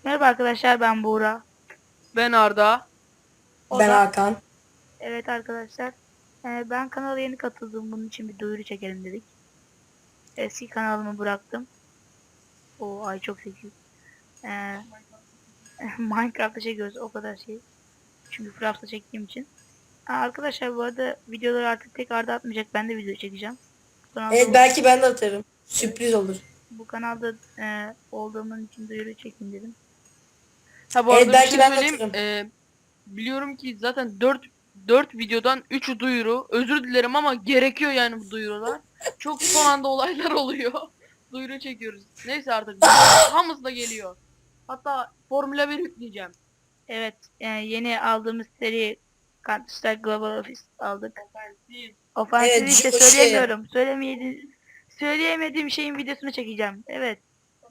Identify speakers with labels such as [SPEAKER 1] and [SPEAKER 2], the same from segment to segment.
[SPEAKER 1] Merhaba arkadaşlar, ben Buğra.
[SPEAKER 2] Ben Arda.
[SPEAKER 1] O
[SPEAKER 3] Ben
[SPEAKER 1] da.
[SPEAKER 3] Hakan.
[SPEAKER 1] Evet arkadaşlar, ben kanala yeni katıldım. Bunun için bir duyuru çekelim dedik. Eski kanalımı bıraktım. O ay çok zeki. E, Minecraft'ta çekiyoruz, o kadar şey. Çünkü Craft'ta çektiğim için. Arkadaşlar, bu arada videoları artık tek Arda atmayacak. Ben de video çekeceğim. Bu kanalda,
[SPEAKER 3] Evet, belki ben de atarım.
[SPEAKER 1] evet,
[SPEAKER 3] Sürpriz olur.
[SPEAKER 1] bu kanalda olduğumun için duyuru çekeyim dedim.
[SPEAKER 2] Ha bu
[SPEAKER 3] Evet,
[SPEAKER 2] arada bir
[SPEAKER 3] belki
[SPEAKER 2] şey
[SPEAKER 3] ben de
[SPEAKER 2] söyleyeyim.
[SPEAKER 3] atarım.
[SPEAKER 2] Biliyorum ki zaten dört videodan 3'ü duyuru. Özür dilerim ama gerekiyor yani bu duyurular. Çok son anda olaylar oluyor. Duyuru çekiyoruz. Neyse artık videonun hamısı da geliyor. Hatta Formula 1 yükleyeceğim.
[SPEAKER 1] Evet, yeni aldığımız seri Counter Strike Global Offensive aldık. Ofansif
[SPEAKER 3] Evet,
[SPEAKER 1] işte
[SPEAKER 3] Joshi.
[SPEAKER 1] söyleyemiyorum. Söyleyemediğim şeyin videosunu çekeceğim. Evet.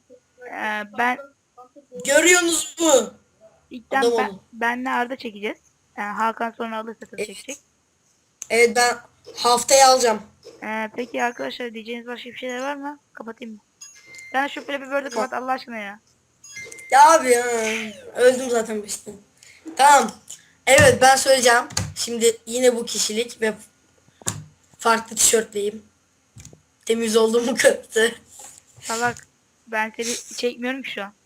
[SPEAKER 1] Ben
[SPEAKER 3] Görüyorsunuz mu? Adam
[SPEAKER 1] ilkten
[SPEAKER 3] olun.
[SPEAKER 1] benle Arda çekeceğiz. Hakan sonra alırsa tabii çekecek.
[SPEAKER 3] Evet. Evet, ben haftaya alacağım.
[SPEAKER 1] Peki arkadaşlar, diyeceğiniz başka bir şeyler var mı? Kapatayım mı? Sen şu Flappy Bird'ü
[SPEAKER 3] Tamam.
[SPEAKER 1] kapat Allah aşkına ya.
[SPEAKER 3] Ya abi ya. Öldüm zaten işte. Tamam. Evet, ben söyleyeceğim. Şimdi yine bu kişilik ve farklı tişörtleyim. Temiz olduğumu kanıtı.
[SPEAKER 1] Salak. Ben seni çekmiyorum ki şu an.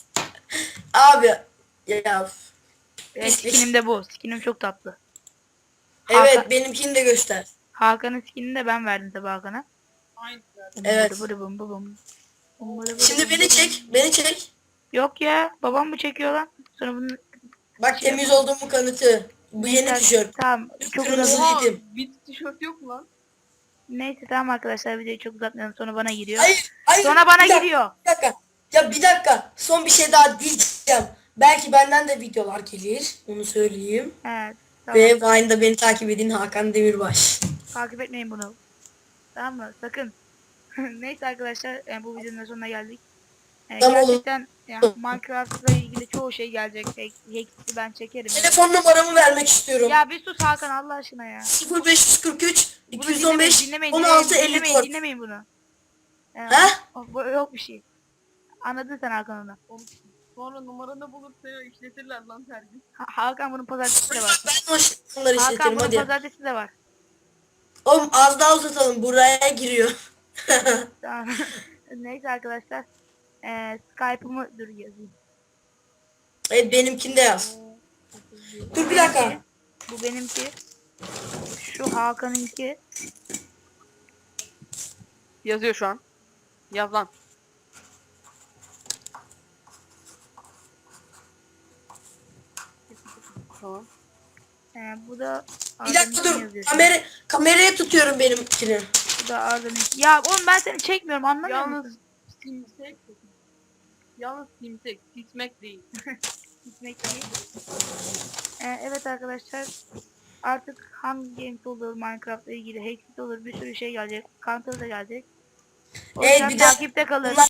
[SPEAKER 3] Abi ya.
[SPEAKER 1] Skinim
[SPEAKER 3] Pislik.
[SPEAKER 1] de bu. Skinim çok tatlı.
[SPEAKER 3] Evet, benimkini de göster.
[SPEAKER 1] Hakan'ın skinini de ben verdim tabii Hakan'a.
[SPEAKER 2] Aynı.
[SPEAKER 3] Evet.
[SPEAKER 1] Bıdı bım bı bım. Bıdı bıdı
[SPEAKER 3] Şimdi
[SPEAKER 1] bım
[SPEAKER 3] beni
[SPEAKER 1] bı
[SPEAKER 3] çek.
[SPEAKER 1] bım.
[SPEAKER 3] Beni çek.
[SPEAKER 1] Yok ya, babam mı çekiyor lan? Sonra bunu
[SPEAKER 3] Bak,
[SPEAKER 1] şey
[SPEAKER 3] temiz
[SPEAKER 1] yapalım.
[SPEAKER 3] olduğumu kanıtı. Bu yeni
[SPEAKER 1] Neyse,
[SPEAKER 3] tişört.
[SPEAKER 1] tamam, çok
[SPEAKER 3] Kırmızı
[SPEAKER 1] uzat.
[SPEAKER 2] Oha,
[SPEAKER 3] dedim.
[SPEAKER 2] bit tişört yok mu lan?
[SPEAKER 1] Neyse tamam arkadaşlar, videoyu çok uzatmayalım, sonra bana giriyor.
[SPEAKER 3] Hayır, hayır.
[SPEAKER 1] Sonra bana
[SPEAKER 3] Bir dakika,
[SPEAKER 1] giriyor.
[SPEAKER 3] bir dakika. Ya bir dakika. Son bir şey daha diyeceğim. Belki benden de videolar gelir. Onu söyleyeyim.
[SPEAKER 1] Evet, tamam.
[SPEAKER 3] Ve Vine'da beni takip edin, Hakan Demirbaş.
[SPEAKER 1] Takip etmeyin bunu. Tamam mı? Sakın. Neyse arkadaşlar, bu videonun da sonuna geldik.
[SPEAKER 3] Tamam oğlum.
[SPEAKER 1] Gerçekten ya, Minecraft'la ilgili çoğu şey gelecek. Hex'i ben çekerim. Evet.
[SPEAKER 3] Telefon numaramı vermek istiyorum.
[SPEAKER 1] Ya bir sus Hakan Allah aşkına ya.
[SPEAKER 3] 0543
[SPEAKER 1] Bunu
[SPEAKER 3] 215
[SPEAKER 1] dinlemeyin,
[SPEAKER 3] 16
[SPEAKER 1] dinlemeyin,
[SPEAKER 3] 54.
[SPEAKER 1] dinlemeyin bunu.
[SPEAKER 3] Ha?
[SPEAKER 1] Yok bir şey. Anladın sen Hakan onu.
[SPEAKER 2] Sonra numaranı bulursa ya işletirler lan her gün.
[SPEAKER 1] Hakan bunun pazartesi de var.
[SPEAKER 3] Ben o onları
[SPEAKER 1] Hakan
[SPEAKER 3] işletirim,
[SPEAKER 1] bunun
[SPEAKER 3] hadi.
[SPEAKER 1] pazartesi de var.
[SPEAKER 3] Oğlum az daha uzatalım, buraya giriyor.
[SPEAKER 1] Tamam. Neyse arkadaşlar. Skype'ımı dur yazayım.
[SPEAKER 3] Evet, benimkini de yaz. Dur bir dakika.
[SPEAKER 1] Bu benimki. Şu Hakan'ınki.
[SPEAKER 2] Yazıyor şu an. Yaz lan. Tamam.
[SPEAKER 1] Bu da
[SPEAKER 3] Bir dakika
[SPEAKER 1] Arda'nınki
[SPEAKER 3] dur.
[SPEAKER 1] yazıyor.
[SPEAKER 3] Kameraya tutuyorum benimkini.
[SPEAKER 1] Bu da Arda'nınki. Ya oğlum, ben seni çekmiyorum, anlamıyor
[SPEAKER 2] Yalnız
[SPEAKER 1] musun?
[SPEAKER 2] simsek. Yalnız simsek. Sismek değil.
[SPEAKER 1] Gitmek değil. Evet arkadaşlar. Artık hangi games olur, Minecraft'la ilgili Hexit olur, bir sürü şey gelecek. Counter da gelecek. O
[SPEAKER 3] Evet,
[SPEAKER 1] yüzden
[SPEAKER 3] bir de
[SPEAKER 1] takipte kalın.
[SPEAKER 3] bunlar